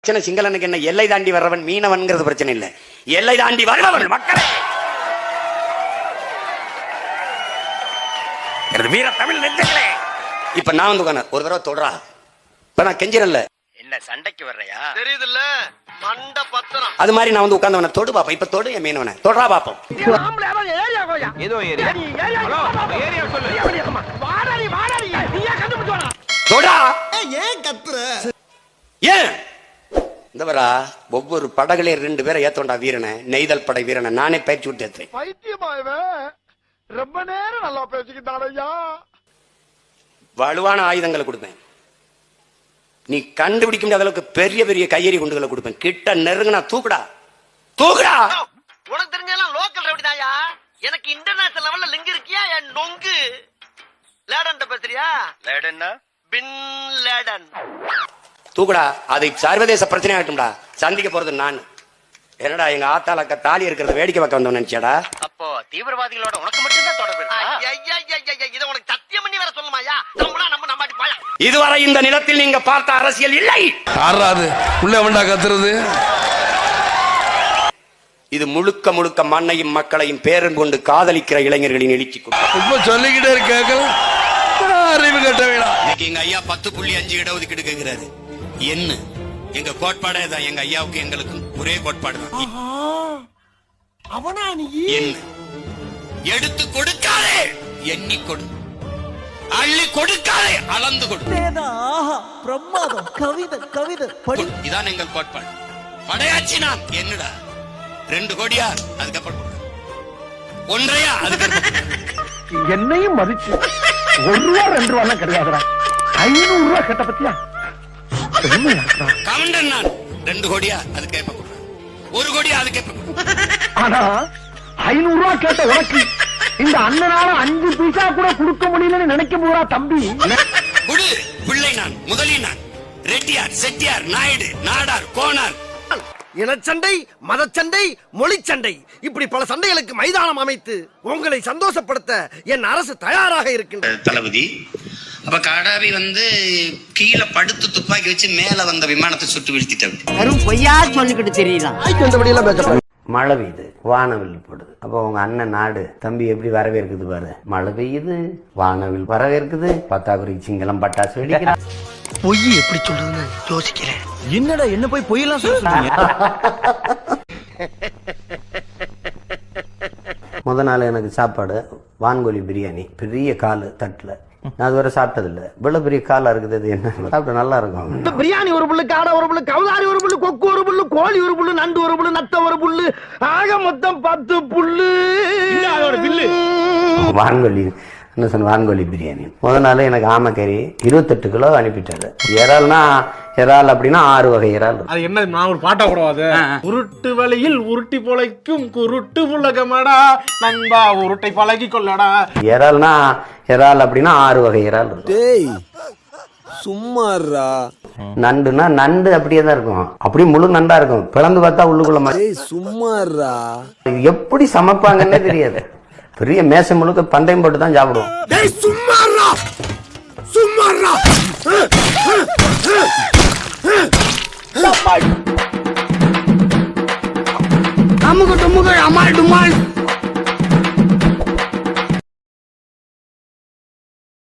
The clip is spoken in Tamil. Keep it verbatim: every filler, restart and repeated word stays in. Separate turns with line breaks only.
பிரச்சனை சிங்களனுக்கு என்ன, எல்லை தாண்டி வர்றவன் மீனவன்ங்கிறது பிரச்சனை இல்லை, எல்லை தாண்டி வருபவன் மக்களே. வீர தமிழ் நெஞ்சங்களே, இப்ப நான் வந்து உட்கார்ந்து ஒரு தடவை தொடரா, இப்ப நான் கெஞ்சிரல்ல
என்ன சண்டைக்கு வர்றையா
தெரியுதுல்ல மண்ட பத்திரம்,
அது மாதிரி நான் வந்து உட்கார்ந்து தொடு பாப்போம். இப்ப தொடு என் மீனவனை தொடரா பாப்போம்.
ஏதோ ஏரியா ஏரியா சொல்லு
தொடா.
ஏன் கத்துற?
ஏன் இந்த வரா ஒவ்வொரு படகுலையும் ரெண்டு பேரை ஏத்தோண்டா வீரனை, நெய்தல் படை வீரனை நானே பயிற்சி விட்டு ஏத்தேன்.
பைத்தியமாயவே ரொம்ப நேரம் நல்லா பேசிக்கிட்டாரையா.
வலுவான ஆயுதங்களை கொடுப்பேன், நீ கண்டுபிடிக்க முடியாத அளவுக்கு பெரிய பெரிய கையெறி குண்டுகளை கொடுப்பேன். கிட்ட நெருங்கினா தூக்குடா தூக்குடா.
உனக்கு தெரிஞ்செல்லாம் லோக்கல் ரவுடிதாயா, எனக்கு இன்டர்நேஷனல் லெவல்ல லிங்க் இருக்கியா என் நொங்கு. லேடன் பேசுறியா?
லேடன்னா
பின் லேடன்.
தூக்குடா, அதை சர்வதேச பிரச்சனை ஆகட்டும்டா. சந்திக்க போறது நான். என்னடா எங்க ஆத்தாளக்க தாலி இருக்கிறத வேடிக்கை பார்க்க வந்தோம் நினைச்சாடா?
அப்போ தீவிரவாதிகளோட உனக்கு மட்டும்தான் தொடர்பு இருக்கா?
இதை உனக்கு சத்தியம் பண்ணி வேற சொல்லுமாயா? நம்மளா நம்ம நம்பாட்டி போயா.
இதுவரை இந்த நிலத்தில் நீங்க பார்த்த அரசியல் இல்லை.
ஆறாது உள்ள வேண்டா கத்துறது.
இது முழுக்க முழுக்க மண்ணையும் மக்களையும் பேரன் கொண்டு காதலிக்கிற இளைஞர்களின் எழுச்சி கூட்டம்.
இப்ப சொல்லிக்கிட்டே இருக்க அறிவு கட்ட வேணாம்.
இன்னைக்கு எங்க ஐயா பத்து புள்ளி அஞ்சு இடஒதுக்கீடு கேட்கிறாரு. என்ன எங்க கோட்பாடே தான், எங்க ஐயாவுக்கு எங்களுக்கு ஒரே கோட்பாடு தான்.
அவனா நீ
என்ன எடுத்து கொடுக்காதே, எண்ணி கொடு, அள்ளி கொடுக்காதே, அளந்து கொடு.
பிரமாதம், கவிதை கவிதை படி.
இதான் எங்கள் கோட்பாடு. படையாச்சி நான் என்னடா ரெண்டு கோடியா, அதுக்கப்புறம் ஒன்றையா, அதுக்கப்புறம்
என்னையும் மதிச்சு ஒரு ரூபா ரெண்டு ரூபா கிடையாதுடா, ஐநூறு ரூபா கேட்ட பத்தியா.
கவுண்டன் நான் ரெண்டு கோடியா, அது கேட்ப ஒரு கோடியா, அது கேட்ப.
ஆனா ஐநூறு ரூபா கேட்ட உனக்கு இந்த அண்ணனால அஞ்சு பைசா கூட கொடுக்க முடியலன்னு நினைக்க போறா தம்பி.
குடு பிள்ளை நான், முதலி நான், ரெட்டியார், செட்டியார், நாயுடு, நாடார், கோனார்.
இனச்சண்டை, மதச்சண்டை, மொழி சண்டை, இப்படி பல சண்டைகளுக்கு மைதானம் அமைத்து உங்களை சந்தோஷப்படுத்த என் அரசு தயாராக இருக்கின்றது.
தளபதி அப்ப கடாவி வந்து கீழே படுத்து துப்பாக்கி வச்சு மேல வந்த விமானத்தை சுட்டு வீழ்த்திட்டாரு.
வெறும் பொய்யா சொல்லிக்கிட்டு தெரியலாம்.
மழை பெய்யுது, வானவில் போடுது. அப்போ உங்க அண்ணன் நாடு தம்பி எப்படி வரவேற்குது பாரு. மழை பெய்யுது, வானவில் வரவேற்குது, பத்தாக்குறைக்கு சிங்களம் பட்டாசு வெடிக்கிறான்.
பொய் எப்படி சொல்றதுன்னு யோசிக்கிறேன்.
என்னடா என்ன போய் பொய்யெல்லாம் சொல்றீங்க?
முத நாள் எனக்கு சாப்பாடு வான்கோழி பிரியாணி, பெரிய காலு தட்டுல. நான் அது வரை சாப்பிட்டது இல்ல, இவ்வளவு பெரிய காலா இருக்குது. அது என்ன சாப்பிட்டு நல்லா இருக்கும்.
பிரியாணி ஒரு புல்லு, காடை ஒரு புல்லு, கவுதாரி ஒரு புல்லு, கொக்கு ஒரு புல்லு, கோழி ஒரு புல்லு, நண்டு ஒரு புல்லு, நத்த ஒரு புல்லு, ஆக மொத்தம் பத்து புல்லு.
வான்கோழி என்ன சொன்ன, வான்கோழி பிரியாணி. முத நாள் எனக்கு ஆமக்கறி இருபத்தெட்டு கிலோ அனுப்பிட்டாரு. இறால்னா இறால் அப்படின்னா ஆறு வகை இறால்.
அது என்ன, நான் ஒரு பாட்டா கூடாது. உருட்டு வழியில் உருட்டி பொழைக்கும் குருட்டு உலகமடா நண்பா, உருட்டை பழகி கொள்ளடா.
இறால்னா இறால் அப்படின்னா ஆறு வகை இறால் இருக்கும்.
சும்மாறா.
நண்டுனா நண்டு அப்படியே தான் இருக்கும், அப்படியே முழு நண்டா இருக்கும், பிளந்து பார்த்தா உள்ளுக்குள்ள மாதிரி.
சும்மாறா.
எப்படி சமைப்பாங்கன்னே தெரியாது. பெரிய மேசம் முழுக்க பந்தயம் போட்டு தான் சாப்பிடுவோம்.
அமுக டுமுக அமால் டுமால்.